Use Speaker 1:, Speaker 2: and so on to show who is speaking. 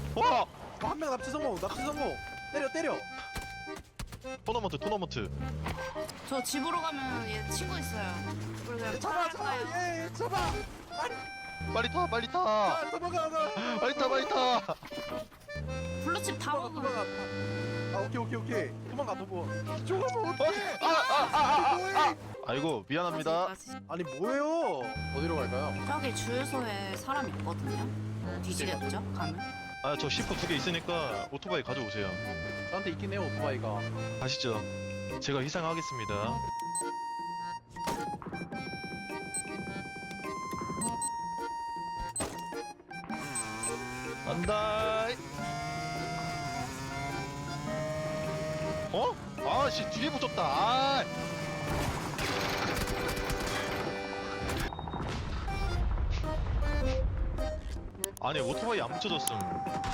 Speaker 1: 와!
Speaker 2: 한 명 납치 성공. 납치 성공. 때려.
Speaker 1: 토너먼트.
Speaker 3: 저 집으로 가면 얘 친구 있어요. 그리고 그냥
Speaker 2: 잡아.
Speaker 3: 차갈까요?
Speaker 2: 예, 잡아.
Speaker 1: 빨리 타.
Speaker 2: 도망가.
Speaker 1: 빨리 타.
Speaker 3: 블루칩 다 먹으면
Speaker 2: 아, 오케이. 도망가. 이쪽으로 어떡해? 뭐해?
Speaker 1: 아이고, 미안합니다.
Speaker 2: 아니 뭐예요? 어디로 갈까요?
Speaker 3: 저기 주유소에 사람 있거든요. 뒤지겠죠? 가면?
Speaker 1: 아, 저 C4 2개 있으니까 오토바이 가져오세요.
Speaker 2: 저한테 있긴 해요 오토바이가.
Speaker 1: 가시죠. 제가 희생하겠습니다. 간다. 어? 아씨 뒤에 붙었다. 아. 아니 오토바이 안 붙여졌음.